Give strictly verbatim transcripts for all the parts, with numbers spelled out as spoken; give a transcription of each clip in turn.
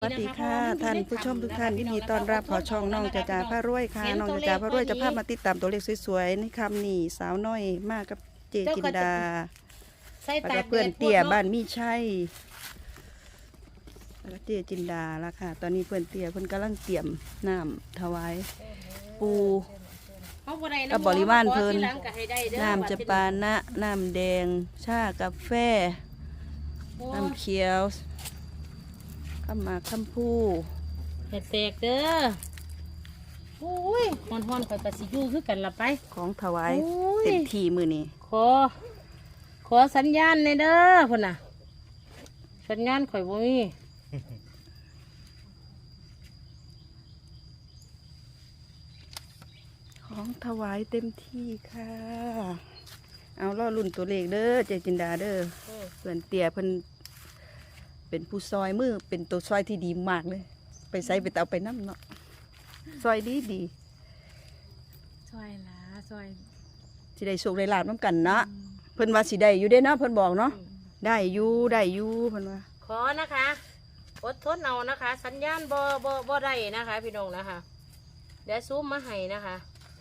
สวัสดีค่ะท่านผู้ชมทุกท่านยินดีต้อนรับขอช่องน้องจ่าจ่าพระรวยค่ะน้องจ่าจ่าพระรวยจะพามาติดตามตัวเลขสวยๆในคำนี้สาวน้อยมากกับเจจินดาแล้วก็เพื่อนเตี่ยบ้านมีชัยแล้วก็เจจินดาละค่ะตอนนี้เพื่อนเตี่ยเพื่อนกำลังเตรียมน้ำถวายปูกับบริวารเพิ่นน้ำจะปานะน้ำแดงชากาแฟน้ำเขียวข้ามมาข้ามผู้เห็ดแตกเด้อโอ้ยฮอนฮอนคอยปสิยูคือกันละไปของถวายเต็มที่มือนี้ขอขอสัญญาณในเด้อพ่นน่ะสัญญาณข่อยบ่มีของถวายเต็มที่ค่ะเอาล่อรุ่นตัวเลขเด้อเจจินดาเด้อเพื่อนเตี่ยเพิ่นเป็นผู้ซอยมือเป็นตัวซอยที่ดีมากเลยไปใส่ไปเอาไปน้ำเนาะซอยดีดีซอยละซอยสิได้สุกได้ลาบน้ำกันเนาะเพิ่นว่าสิได้อยู่ได้เนาะเพิ่นบอกเนาะได้อยู่ได้อยู่เพิ่นว่าขอนะคะอดทนเอานะคะ สัญญาณบ่บ่บ่ได้นะคะพี่น้องนะคะเดี๋ยวซูมมาให้นะคะ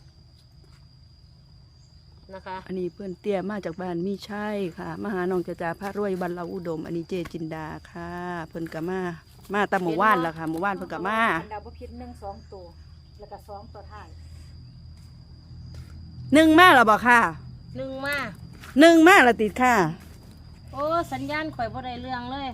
นะคะอันนี้เพื่อนเตี้ยมาจากบ้านมีชัยค่ะมาหาน้องจ่าจ่าพระรวยบรรเลาอุดมอันนี้เจจินดาค่ะเพิ่นกะมามาตามหมู่บ้านแล้วค่ะหมู่บ้านเพิ่นกะมาดาวพิษหนึ่งสองตัวแล้วก็สองตัวท้ายหนึ่งมาแล้วบอกค่ะหนึ่งมาหนึ่งมาแล้วติดค่ะโอ้สัญญาณข่อยบ่ได้เรื่องเลย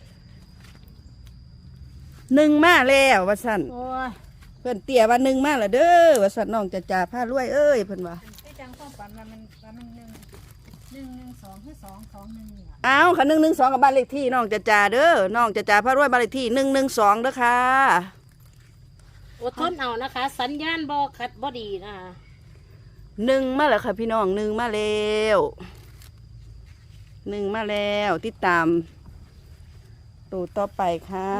หนึ่งมาแล้วว่าสั่นโอ้ยเพื่อนเตี้ยว่าหนึ่งมาแล้วเด้อว่าสั่นน้องจ่าจ่าพระรวยเอ้ยเพิ่นว่าจังความฝันว่ามันว่ามันหนึ่งหนึ่งหนึ่งสองคือสองสองหนึ่งนี่อ้าวค่ะหนึ่งหนึ่งสองกับบ้านเลขที่น้องจ่าจ่าเด้อน้องจ่าจ่าพระรวยบ้านเลขที่หนึ่งหนึ่งสองเด้อค่ะอดทนเอานะคะสัญญาณบ่คัดบ่ดีนะคะหนึ่งมาแล้วค่ะพี่น้องหนึ่งมาแล้วหนึ่งมาแล้วติดตามตัวต่อไปค่ะ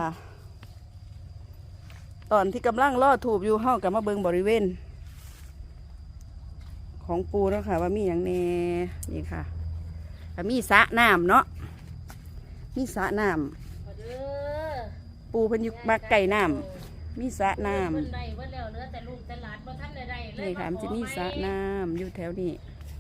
ตอนที่กำลังล่อถูบอยู่ห้องกับมาเบิงบริเวณของปูแล้วค่ะว่ามีอย่างแน่นี่ค่ะมีสระน้ำเนาะมีสระน้ำปูเพิ่นอยู่บักไก่น้ำมีสระน้ำนี่ค่ะมันจะมีสระน้ำอยู่แถวนี้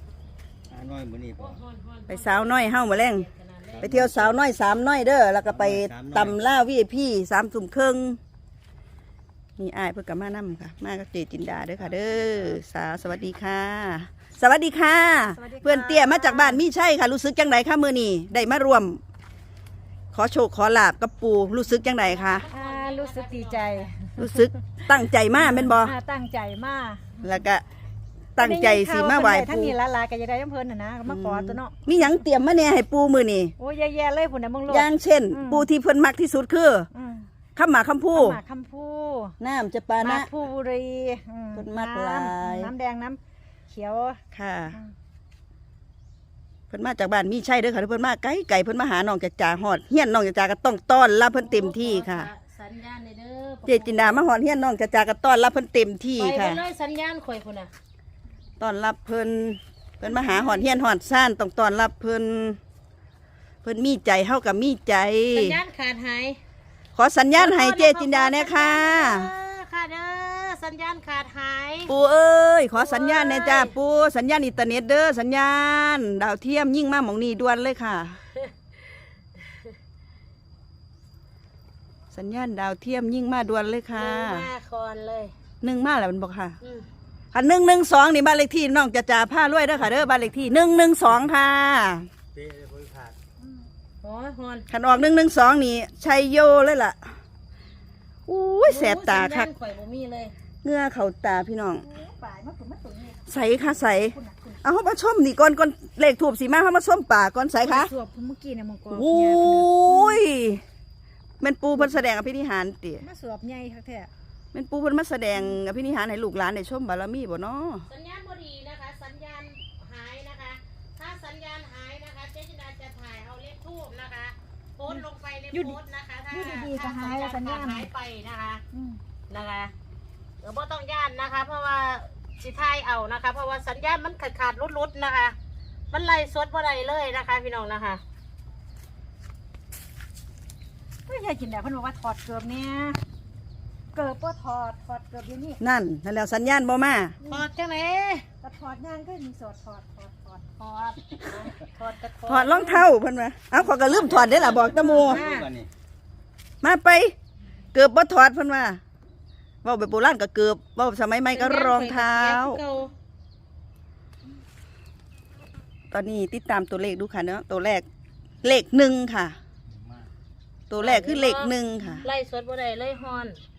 ไปสาวน้อยเฮ้ามาแรงไปเที่ยวสาวน้อยสามน้อยเด้อแล้วก็ไปตำล่าวีพี่สามสุ่มครึ่งนี่อ้ายเพื่อกลับมานั่มค่ะมากับเจจินดาเด้อค่ะเด้อสาวสวัสดีค่ะสวัสดีค่ะเพื่อนเตี้ยมาจากบ้านมีใช่ค่ะรู้สึกจังไดค่ะมือนี่ได้มารวมขอโชคขอลาบกับปูรู้สึกจังไดค่ะรู้สึกดีใจรู้สึกตั้งใจมากเป็นบอตั้งใจมากแล้วก็ตั้งใจสีมาไหวปูทั้งนี้ละลายกันยังได้ยังเพลินนะมาขอตัวเนาะมีหยังเตรียมมาเนี่ยให้ปูมือนี่โอ้ยแย่ๆเลยผุนนะมึงโลดอย่างเช่นปูที่เพิ่นมักที่สุดคือคำหมาคำพูหมาคำพูน้ำจะปานะผู้บุรีต้นมัดลายน้ำแดงน้ำเขียวค่ะเพิ่นมาจากบ้านมีใช่เด้อค่ะเพิ่นมาไกลไก่เพิ่นมาหาน้องจ่าจ่าฮอดเฮียนน้องจ่าจ่าก็ต้องต้อนรับเพิ่นเต็มที่ค่ะสัญญาณเด้อเจจินดามาฮอดเฮียนน้องจ่าจ่าก็ต้อนรับเพิ่นเต็มที่ค่ะไปเลยสัญญาณข่อยพุ่นน่ะต้อนรับเพิ่นเพิ่นมาหาฮอดเฮียนฮอดซ่านต้องต้อนรับเพิ่นเพิ่นมีใจเฮากับมีใจสัญญาณขาดหายขอสัญญาณให้เจจินดาเนี่ยค่ะค่ะเด้อสัญญาณขาดหายปูเอ้ยขอสัญญาณเนี่ยจ้าปูสัญญาณอินเทอร์เน็ตเด้อสัญญาณดาวเทียมยิ่งมากหมองนี้ด่วนเลยค่ะสัญญาณดาวเทียมยิ่งมาด่วนเลยค่ะมาคอนเลยหนึ่งมาแล้วมันบอกค่ะค่ะหนึ่งหนึ่งสองนี่บ้านเลขที่น้องจะจ่าผ้ารวยเด้อค่ะเด้อบ้านเลขที่หนึ่งหนึ่งสองค่ะขันออกหนึ่งหนึ่งสองนี่ชัยโยเลยล่ะอุ้ยแสบตาค่ะเงื้อเข่าตาพี่น้องใสค่ะใสเอาเขามาชมนี่ก่อนก่อนเลขถูกสีมาเขามาชมป่าก่อนใสค่ะสวบเมื่อกี้นะมังกรอุ้ยเป็นปูเพิ่นแสดงอภินิหารติมาสวบใหญ่ค่ะแท้เป็นปูเพิ่นมาแสดงอภินิหารให้ลูกหลานได้ชมบารมีบ่เนาะสัญญาณบ่ดีนะคะสัญญาณหายนะคะถ้าสัญญาณหายนะคะเจจินดาจะถ่ายเอาเลขทูบนะคะโพสลงไปในโพสนะคะถ้าถ้าสัญญาณสัญญาณหายไปนะคะนะคะเออบ่ต้องย่านนะคะเพราะว่าสิถ่ายเอานะคะเพราะว่าสัญญาณมันขาดขาดลุดๆนะคะมันไล่สดบ่ได้เลยนะคะพี่น้องนะคะก็ยายกินได้เพิ่นบอกว่าถอดเกือบเนี่ยเกือบบ่ถอดถอดเกือบอยู่นี่นั่นนั่นแล้วสัญญาณบ่มาถอดจังไหนก็ถอดย่างก็มีสอดถอดถอดถอดถอดถอดกระถอดรองเท้าเพิ่นว่าเอ้าขอยก็ลืมถอดได้ล่ะบอกตะโมมาไป เกือบบ่ถอดเพิ่นว่าเว้าแบบโบราณก็เกือบเว้าสมัยใหม่ก็รองเท้า ตอนนี้ติดตามตัวเลขดูค่ะเนาะตัวแรกเลขหนึ่งค่ะ ตัวแรกคือเลขหนึ่งค่ะไล่สดบ่ได้ไล่ฮอน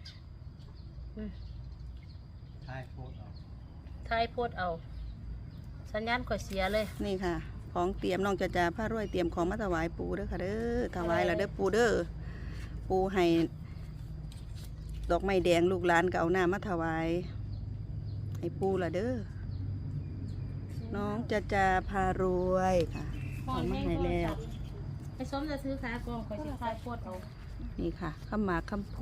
ใช่โพดเอาทายโพดเอา สัญญาณข่อยเสียเลยนี่ค่ะ ของเตรียมน้องจะจาผ้ารวยเตรียมของมาถวายปูเด้อค่ะเด้อถวายแล้วเด้อปูเด้อปูให้ดอกไม้แดงลูกหลานก็เอาหน้ามาถวายให้ปูละเด้อน้องจะจาพารวยค่ะเอามาให้แล้วไปซ้อมจะซื้อขากองข่อยสิทายโพดเอานี่ค่ะข้าวหมากคำพู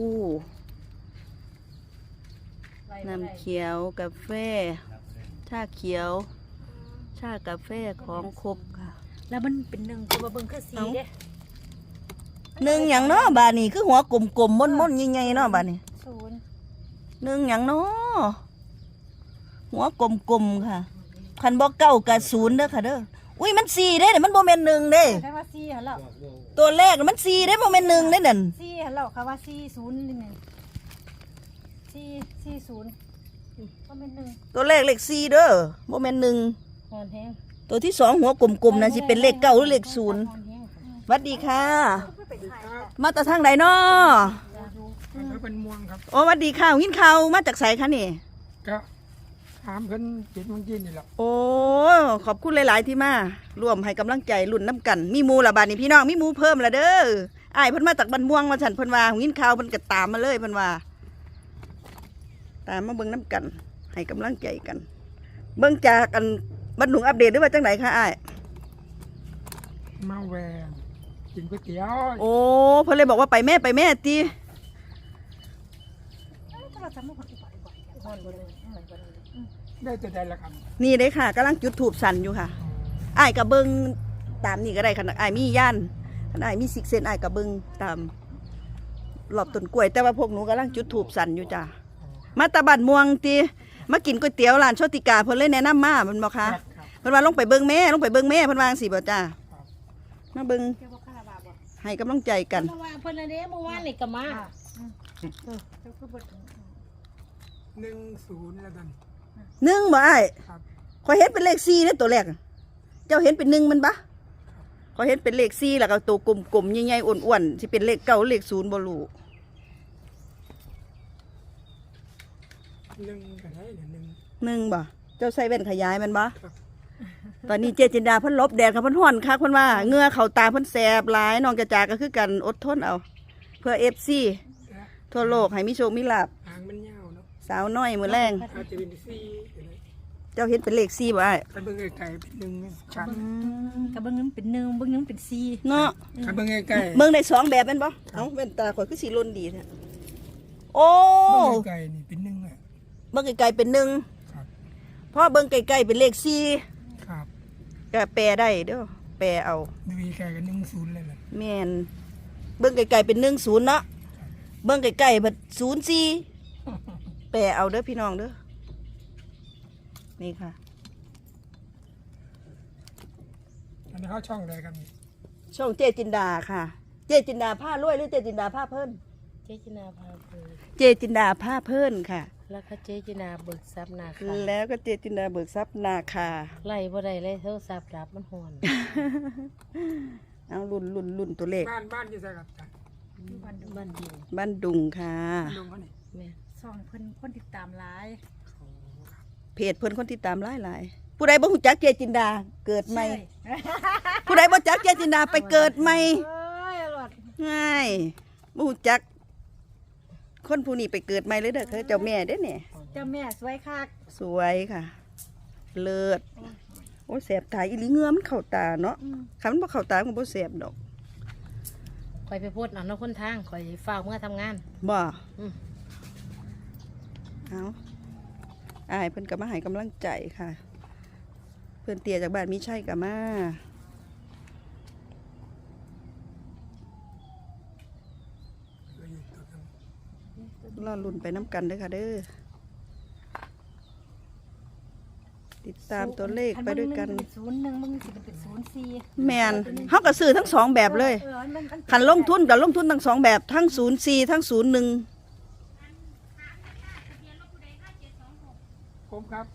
ไล่บ่ได้น้ำเขียวกาแฟชาเขียว ชากาแฟของครบค่ะแล้วมันเป็นหนึ่งตัวเบิ่งคือสีเด้หนึ่งอย่างเนาะบานี่คือหัวกลมๆม่นๆใหญ่ๆเนาะบานี่ศูนย์หนึ่งอย่างเนาะหัวกลมๆค่ะคันบอกเก้ากับศูนย์เด้อค่ะเด้ออุ้ยมันสี่เด้เนี่ยมันโมเมนหนึ่งเด้แค่ว่าสี่หันแล้วตัวแรกน่ะมันสี่เด้โมเมนหนึ่งเด้นั่นสี่หันแล้วค่ะว่าสี่ศูนย์นี่หนึ่งสี่สี่ศูนย์ก็เป็นหนึ่งตัวแรกเลขสี่เด้อโมเมนหนึ่งฮอนแห้งตัวที่สองหัวกลมๆนะสิเป็นเลขเก้าหรือเลขศูนย์ฮอนแห้งสวัสดีค่ะ มาจากทางใดเนาะอันนั้นเป็นม่วงครับโอ้สวัสดีค่ะยินข่าวมาจากไสคะนี่ก็ถามเพิ่นเจ็ดโมงเย็นนี่แหละโอ้ขอบคุณหลาย ๆ ที่มาร่วมให้กำลังใจรุ่นน้ำกัน มีหมูละบาดนี่พี่น้องมีหมูเพิ่มละเด้ออ้ายเพิ่นมาจากบ้านม่วงมาฉันเพิ่นว่ายินข่าวเพิ่นก็ตามมาเลยเพิ่นว่า ตามมาเบิ่งน้ำกัน ให้กำลังใจกัน เบิ่งจากกันบรรดุงอัปเดตหรือว่าจังไหนคะอ้ายมาแหวนกินก๋วยเตี๋ยวโอ้เพิ่นเลยบอกว่าไปแม่ไปแม่ติถ้าเราจำไม่ผิดบ่อยบ่อยฮอนบ่ได้ได้แต่ใดละครับนี่เด้ค่ะกำลังจุดถูบสั่นอยู่ค่ะอ้ายก็เบิ่งตามนี่ก็ได้ค่ะอ้ายมีย่านคันอ้ายมีซิกเซนอ้ายก็เบิ่งตามรอบต้นกล้วย แต่ว่าพวกหนูกำลังจุดถูบสั่นอยู่จ้ะมาตะบัดม่วงติมากินก๋วยเตี๋ยวร้านโชติกาเพิ่นเลยแนะนำมาเพิ่นบอกค่ะครับครับเพิ่นว่าลงไปเบิ่งแม่ลงไปเบิ่งแม่เพิ่นวาจั่งสิบ่จ้ามาเบิ่งเกี่ยวกับคาราบาบ่ให้กำลังใจกันเพราะว่าเพิ่นน่ะเด้เมื่อวานนี่ก็มาเจ้าคือบ่ถึงหนึ่งศูนย์แล้วกันหนึ่งบ่อ้ายครับข่อยเห็นเป็นเลขสี่เด้อตัวแรกเจ้าเห็นเป็นหนึ่งมันปะข่อยเห็นเป็นเลขสี่แล้วก็ตัวกลมๆใหญ่ๆอ้วนๆสิเป็นเลขเก้าหรือเลขศูนย์บ่รู้หนึ่งก็ได้เดี๋ยวหนึ่งหนึ่งบ่เจ้าใส่แว่นขยายมันบ่ครับตอนนี้เจจินดาเพิ่นหลบแดดค่ะเพิ่นฮ้อนคักเพิ่นว่าเหงื่อเข้าตาเพิ่นแสบหลายน้องจะจาก็คือกันอดทนเอา เพื่อ เอฟ ซีและทั่วโลกให้มีโชคมีลาภหางมันยาวเนาะสาวน้อยมื้อแรงอาจจะเป็นสี่ก็ได้เจ้าเห็นเป็นเลขสี่บ่อ้ายถ้าเบิ่งไกลๆเป็นหนึ่งชัดกับเบิ่งนึงเป็นหนึ่งเบิ่งนึงเป็นสี่เนาะถ้าเบิ่งไกลๆเบิ่งได้สองแบบแม่นบ่เอ้าแว่นตาข่อยคือสิลนดีแท้โอ้เบิ่งไกลๆนี่เป็นหนึ่งอ่ะเบิ่งไกลๆเป็นหนึ่งครับเพราะเบิ่งไกลๆเป็นเลขสี่ครับก็แปลได้เด้อแปลเอาดูไกลๆกันหนึ่งศูนย์เลยแหละแม่นเบิ่งไกลๆเป็นหนึ่งศูนย์เนาะเบิ่งไกลๆเบัดศูนย์สี่แปลเอาเด้อพี่น้องเด้อนี่ค่ะอันนี้เข้าช่องอะไรครับนี่ช่องเจจินดาค่ะ เจจินดาผ้ารวยหรือเจจินดาผ้าเพิ่นเจ๊จินาพาเพิ่นเจจินดาผ้าเพิ่นค่ะแล้วก็เจ๊จินาเบิกทรัพย์นาคาแล้วก็เจจินดาเบิกทรัพย์นาคาไล่บ่ได้เลยโทรศัพท์รับมันฮอนเอารุ่นรุ่นรุ่นตัวเลขบ้านบ้านอยู่ไสครับจ้ะบ้านบ้านดินบ้านดุงค่ะลงเขานี่แม่สองเพิ่นคนติดตามหลายเพจเพิ่นคนติดตามหลายหลายๆผู้ใดบ่ฮู้จักเจจินดาเกิดใหม่ผู้ใดบ่จักเจจินดาไปเกิดใหม่เอ้ยอร่อยง่ายบ่ฮู้จัก คนผู้นี้ไปเกิดใหม่เลยเด้อเขาเจ้าแม่เด้อเนี่ยเจ้าแม่สวยคักสวยค่ะ เลิศโอ้ยแสบตาอีหลีเหงือมันเข้าตาเนาะคันมันบ่เข้าตามันบ่แสบดอกข่อยไปโพดเอาเนาะคนทางข่อยฝ้าวเมื่อทำงานบ่อืมเอาอ้ายเพิ่นก็มาให้กำลังใจค่ะ เพิ่นเตี้ยจากบ้านมีชัยก็มารอลุ้นไปน้ำกันเด้อค่ะเด้อติดตามตัวเลขไปด้วยกันศูนย์หนึ่งมึงสิเป็นศูนย์สี่แมนเฮาก็ซื้อทั้งสองแบบเลยเออมันมันคันลงทุนกับลงทุนทั้งสองแบบทั้งศูนย์สี่ทั้งศูนย์หนึ่งผมครับ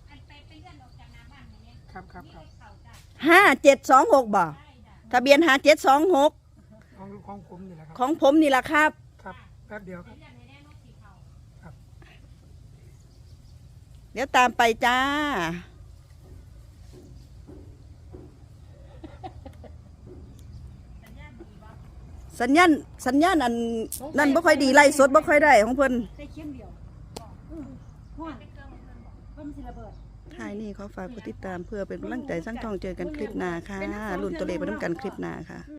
ครับครับครับห้าเจ็ดสองหกบ่ทะเบียนหาเจ็ดสองหกของของผมนี่แหละครับของผมนี่แหละครับครับแป๊บเดียวครับเดี๋ยวตามไปจ้า สัญญาณสัญญาณอันนั่นบ่ค่อยดีไล่สดบ่ค่อยได้ของเพิ่นได้เข็มเดียวอืมห้วนเพิ่มสิระเบิดท้ายนี้ขอฝากกดติดตามเพื่อเป็นกำลังใจสร้างทองเจอกันคลิปหน้าค่ะรุ่นตัวเลขไปน้ำกันคลิปหน้าค่ะ